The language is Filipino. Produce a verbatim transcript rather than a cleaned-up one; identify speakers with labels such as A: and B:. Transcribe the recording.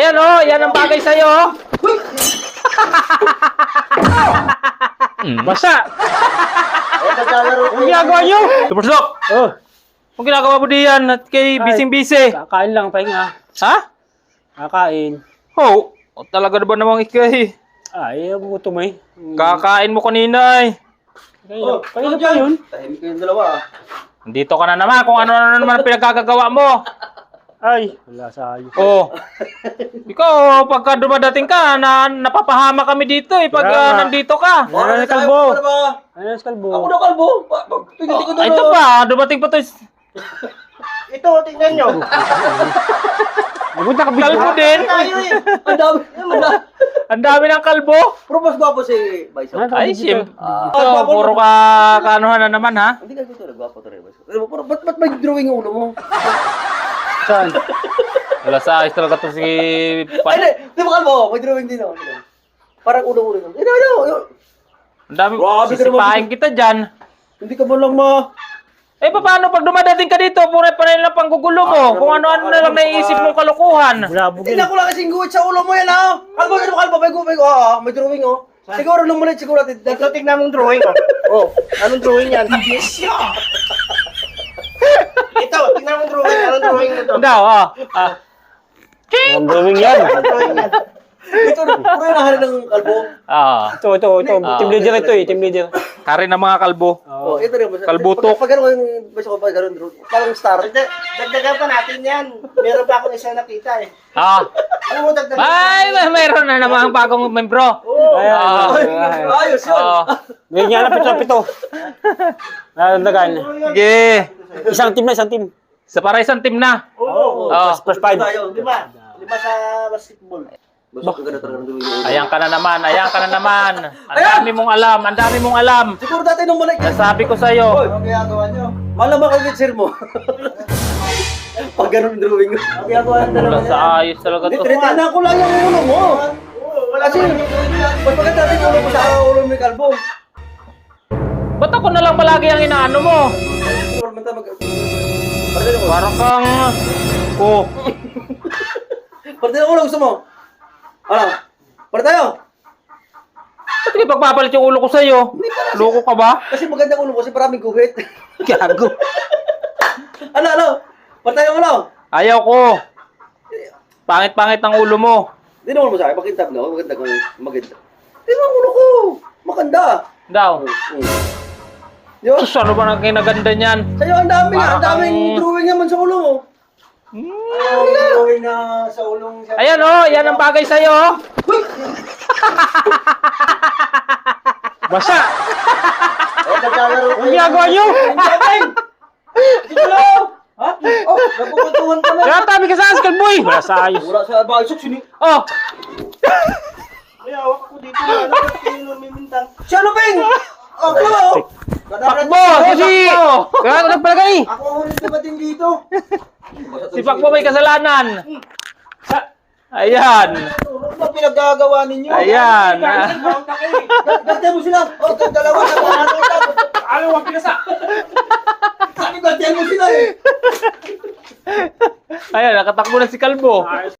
A: Ayan oh, yan ang bagay sa'yo. Basa. Anong ginagawa nyo? Tupursok!
B: Oh,
A: Anong ginagawa mo diyan at kay bising-bisi?
B: kakain lang, pahinga.
A: Ha?
B: Kakain.
A: Oh, oh talaga na ba namang ikay?
B: Ay, gutom eh.
A: Kakain mo kanina eh.
B: Oh, pahinga pa yun.
C: Tahimik kayong dalawa.
A: Dito ka na naman kung ano-ano naman ang pinagkagagawa mo.
B: Ay, wala sa ayos.
A: Oh. Ikaw, pagka dumadating ka, na, napapahama kami dito eh, pag
B: Kaya
A: ah,
B: nga.
A: nandito ka.
B: Ano na
C: tayo,
B: kalbo?
C: ano ba?
B: Ano na kalbo?
C: Ako na kalbo. Pa- pa- Tingnan ko
A: Oh,
C: doon.
A: ito pa, dumating pa to.
C: Ito, tingnan nyo.
B: Nagunta ka bigla.
A: Kalbo din.
C: Tayo eh. Ang dami. Ang dami.
A: Ang dami ng kalbo.
C: Pero mas gwapo si Bison.
B: Ano?
A: Ay, sim.
C: Ah.
A: Ito, puro ka kaanuhan na naman ha.
C: Hindi ka gusto na gwapo to rin. Bison. Pero ba't ba't may drawing yung ulo mo?
B: Saan?
A: Wala sa ayos talaga to si
C: Ay,
A: Pan.
C: hindi. Di ba kalbo? May drawing din ako. Parang ulo-ulo. Hindi, ano, ano.
A: Ang dami,
C: Grabe ka naman.
A: sisipahin kita dyan.
C: Hindi ka ba lang ma...
A: Eh, paano pag dumadating ka dito, puro pa rin lang panggugulo mo.
C: Ah,
A: Kung ano-ano na lang naiisip mong kalukuhan.
B: Bulabog yun.
C: Tingnan ko lang kasing guhit sa ulo mo yan, ha? Kalbo, ano kalbo? May guhit, oh, may drawing, oh. Siguro lumulit, siguro natin. Ito, tingnan mong drawing, oh. Oh, anong drawing yan? Yes, yeah. Ito, tingnan mong drawing. Anong drawing mo to?
A: Daw, ah. ah.
B: Ang drawing yan.
C: Anong drawing yan? Ito, puro yung nahalin ng kalbo.
A: Ah.
B: Ito, ito, ito.
A: Ah.
B: Team leader ito eh, team leader.
A: Hari ng mga kalbo.
C: Oh, ito rin.
A: Kalbutok.
C: Pag, pag gano'n yung basta ko, pag gano'n, parang star. Dagdagan pa natin yan. Meron pa akong isa nakita eh.
A: Ah.
C: Ano mo dagdagan?
A: Ay, may mayroon na namang bagong membro.
C: Oo.
B: Ayan,
A: Ah.
B: ay, ay.
C: Ayos yun.
A: Ah.
B: May nga na pito, pito. Nalagdagan.
A: Sige.
B: Isang team na, isang team.
A: Sa para isang team na.
C: Oo.
A: Ah.
B: Plus five.
C: Tayo, di ba? Di ba sa basketball? Basta ang ganda talaga ng drawing yung ulo.
A: Ayan ka na naman, ayan ka na naman. Ang dami mong alam, ang dami mong alam.
C: Siguro dati nung malik.
A: Nasabi ko sa'yo.
C: Ano ginagawa nyo? Malamang kayo with sir mo. Pag ganun drawing ko. Ano ginagawa nyo
A: Wala sa ayos talaga to.
C: Tinitinan ko lang yung ulo mo. Kasi, mas maganda rin yung ulo mo sa ulo mo yung kalbo.
A: Ba't ako na lang palagi ang inaano mo?
C: Siguro mata mag... Parte ko.
A: Parang kang... Oh.
C: Parte ko lang gusto mo. Ano? Parte tayo.
A: Ba't hindi pagpapalit yung ulo ko sa'yo? Loko ka ba?
C: Kasi maganda ulo mo kasi maraming guhit.
A: Gago.
C: Ano, ano? Parte tayo ulo.
A: Ayaw ko. Pangit-pangit ang ulo mo.
C: Hindi naman mo sa akin. Maganda ko. Maganda ko. Maganda. Hindi naman ulo ko. Maganda.
A: Daw.
C: Mm. Di ba?
A: Sus, ano ba nang kinaganda niyan?
C: Sa'yo ang dami nga. Ang
A: Parang
C: daming
A: kang-
C: drawing naman sa ulo mo. Ang drawing na sa ulong...
A: Ayan oh, yan ang bagay sa'yo. Basa.
C: Eh, naglalaro
B: Ang ginagawa nyo?
C: Dito lang! Ha? Oh, napupuntuhan ka na.
A: Kaya tabi ka sa askal, boy. Wala sa ayos.
C: Wala sa bagsok, sini.
A: Oh,
C: May hawak ako dito na ano, ba't kayo lumimintang? Siya ano, Peng? Oh, hello!
A: pakbo, kasi. Kaya ako nagpalagay.
C: Ako ang huling dumating dito.
A: Si Pakbo may kasalanan. Ayan.
C: Ano ba pinaggagawa ninyo?
A: Ayan.
C: Gantihan mo sila. Oh, dalawa na mga ano ito. Ano ang pinasa? Gantihan mo sila eh.
A: Ayan, nakatakbo na si Kalbo.